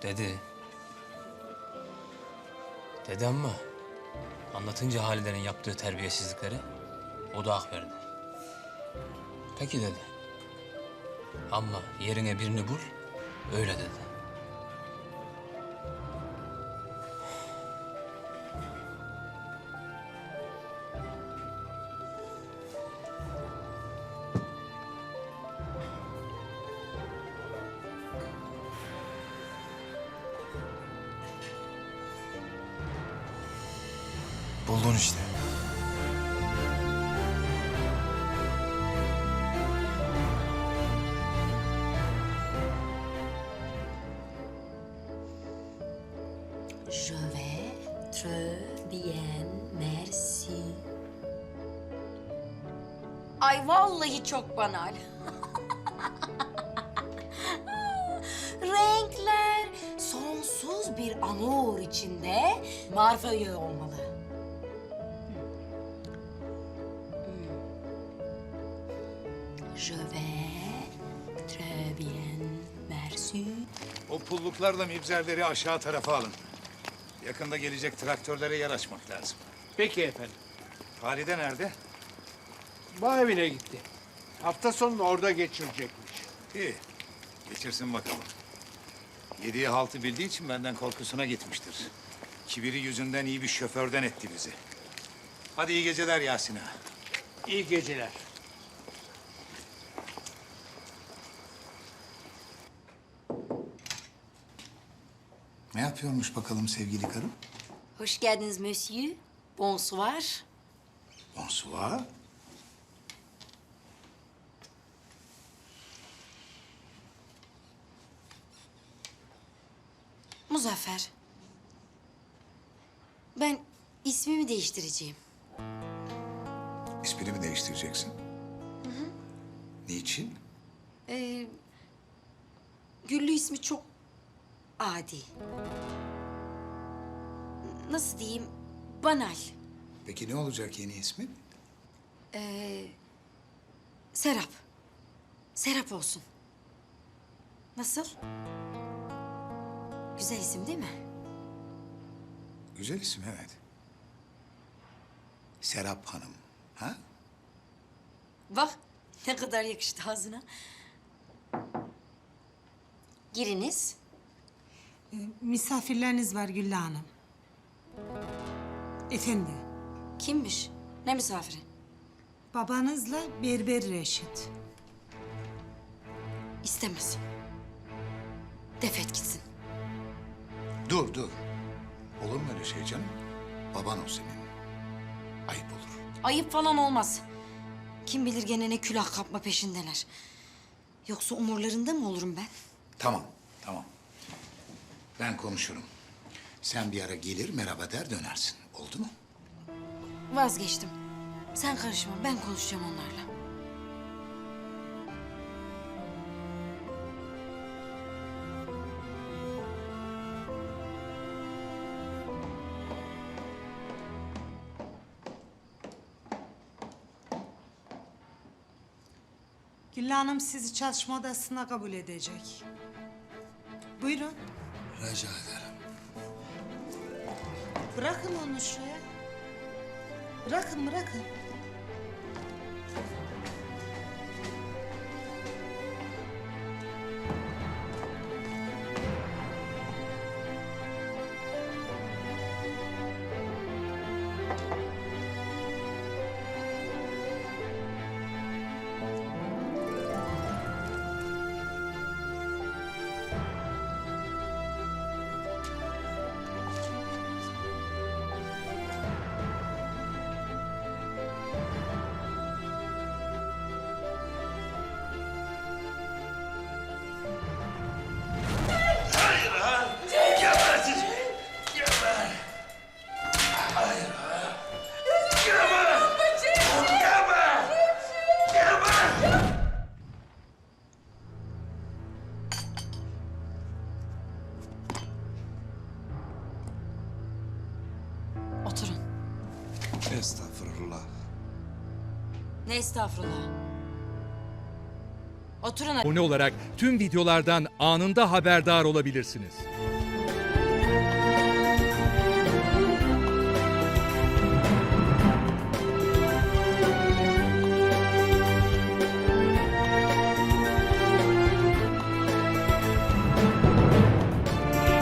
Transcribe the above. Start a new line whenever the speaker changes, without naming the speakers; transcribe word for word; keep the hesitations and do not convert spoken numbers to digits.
Dedi. Dedi ama anlatınca Halide'nin yaptığı terbiyesizlikleri o da hak verdi. Peki dedi. Ama yerine birini bul, öyle dedi.
Buldun işte.
Je vais très bien, merci. Ay vallahi çok banal. Renkler sonsuz bir amour içinde marfayı olmalı. Hmm. Je vais très bien, merci.
O pulluklarla mibzerleri aşağı tarafa alın. Yakında gelecek traktörlere yer açmak lazım.
Peki efendim.
Halide nerede?
Bağ evine gitti. Hafta sonunu orada geçirecekmiş.
İyi. Geçirsin bakalım. Yediği haltı bildiği için benden korkusuna gitmiştir. Kibiri yüzünden iyi bir şoförden etti bizi. Hadi iyi geceler Yasin ağa.
İyi geceler.
Ne yapıyormuş bakalım sevgili karım?
Hoş geldiniz monsieur. Bonsoir.
Bonsoir.
Muzaffer. Ben ismimi değiştireceğim.
İsmini mi değiştireceksin? Hı hı. Niçin?
Ee, Güllü ismi çok adi. Nasıl diyeyim? Banal.
Peki ne olacak yeni ismin?
Ee, Serap. Serap olsun. Nasıl? Güzel isim değil mi?
Güzel isim evet. Serap Hanım. Ha?
Bak ne kadar yakıştı ağzına. Giriniz.
Misafirleriniz var Güllü Hanım. Efendi,
Kimmiş? Ne misafiri?
babanızla Berber Reşit.
İstemez. Defet gitsin.
Dur dur. Olur mu öyle şey canım? Baban o senin. Ayıp olur.
Ayıp falan olmaz. Kim bilir gene ne külah kapma peşindeler. Yoksa umurlarında mı olurum ben?
Tamam, tamam. Ben konuşurum. Sen bir ara gelir merhaba der dönersin. Oldu mu?
Vazgeçtim. Sen karışma, ben konuşacağım onlarla.
Güllü Hanım sizi çalışma odasına kabul edecek. Buyurun.
Rica ederim.
Bırakın onu şuraya. Bırakın, bırakın.
Oturun.
Estağfurullah.
Ne estağfurullah. Oturun.
Abone olarak tüm videolardan anında haberdar olabilirsiniz.